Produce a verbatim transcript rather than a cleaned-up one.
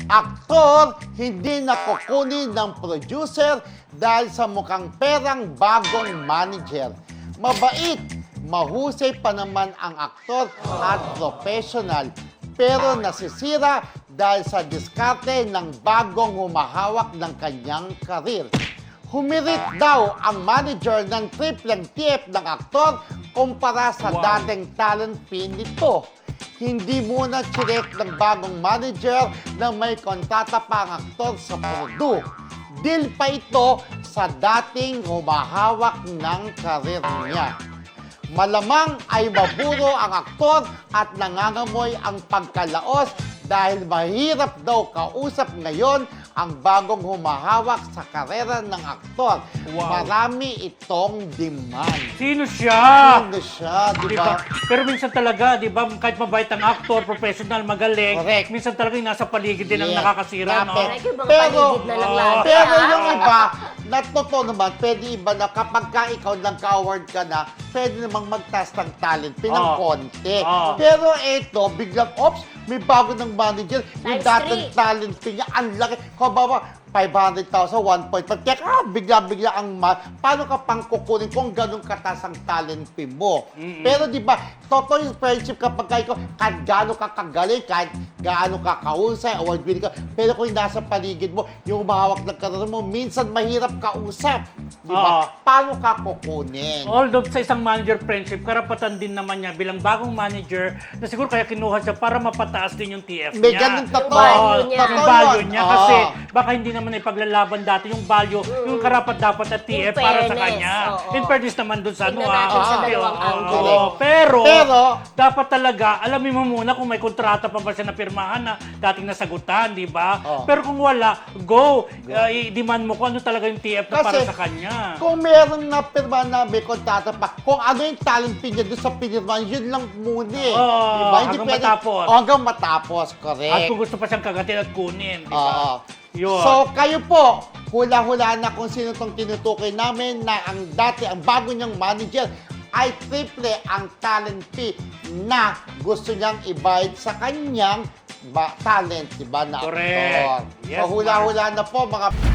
Aktor hindi nakukunin ng producer dahil sa mukhang perang bagong manager. Mabait, mahusay pa naman ang aktor at professional. Pero nasisira dahil sa diskarte ng bagong humahawak ng kanyang karir. Humirit daw ang manager ng tripleng T F ng aktor kumpara sa Wow. dating talent fee nito. Hindi muna chinek ng bagong manager na may kontrata pa ang aktor sa Purdue. Deal pa ito sa dating humahawak ng karir niya. Malamang ay maburo ang aktor at nangangamoy ang pagkalaos dahil mahirap daw kausap ngayon ang bagong humahawak sa karera ng aktor. Wow. Marami itong demand. Sino siya? Ano siya, di Diba? ba? Pero minsan talaga, di ba, kahit mabait ang actor, professional, magaling, Correct. minsan talaga yung nasa paligid din ang Yes. nakakasira, no? Dapat. Ay, ibang Pero, paligid na lang oh, lagi. Pero ah. yung iba, na totoo naman, pwede iba na kapag ka ikaw nagka-award ka na, pwede namang mag-test ng talent, pinang Oh. konti. Oh. Pero eto, biglang, ops, may bago ng manager, yung Times dating three. talent fee niya, ang laki. Kung ba five hundred thousand, one point five. Kaya ah, bigla-bigla ang ma... Paano ka pang kukunin kung ganun katas ang talent fee mo? Mm-mm. Pero di ba, totoo yung friendship kapag ka ikaw, kahit gaano ka kagaling, kahit gaano ka kausay, award winning ka, pero kung nasa paligid mo, yung umahawak ng karoon mo, minsan mahirap kausap. Di ba? Oo. Paano ka kukunin? Although sa isang manager friendship, karapatan din naman niya bilang bagong manager na siguro kaya kinuha siya para mapataas din yung T F May niya. ganun totoo. Oo, Yung value niya. yung Totoo value yun. niya. Oo. Kasi baka hindi naman ipaglalaban dati yung value, yung karapat dapat na T F In para sa fairness, kanya. oo. In fairness naman dun sa ano. Tingnan ah. natin sa Oo, dalawang oo, angle. oo. Pero, Pero, dapat talaga, alamin mo muna kung may kontrata pa ba siya na pirmahan na dating nasagutan, di ba? Oo. Pero kung wala, go. Uh, i-demand mo kung ano talaga yung T F na para Kasi, sa kanya. kung meron na pirma na may kontrata pa, kung ano yung talent fee niya doon sa pinirmahan, yun lang muna eh. Oo, Diba? hanggang matapos. Oh, hanggang matapos, correct. At kung gusto pa siyang kagatin at kunin, di ba? Oo. Yun. So, kayo po, hula-hula na kung sino tong tinutukoy namin na ang dati, ang bago niyang manager ay triple ang talent fee na gusto niyang ibayad sa kanyang ba, talent, di ba, na Correct. aktor. Yes, So, hula-hula na po, mga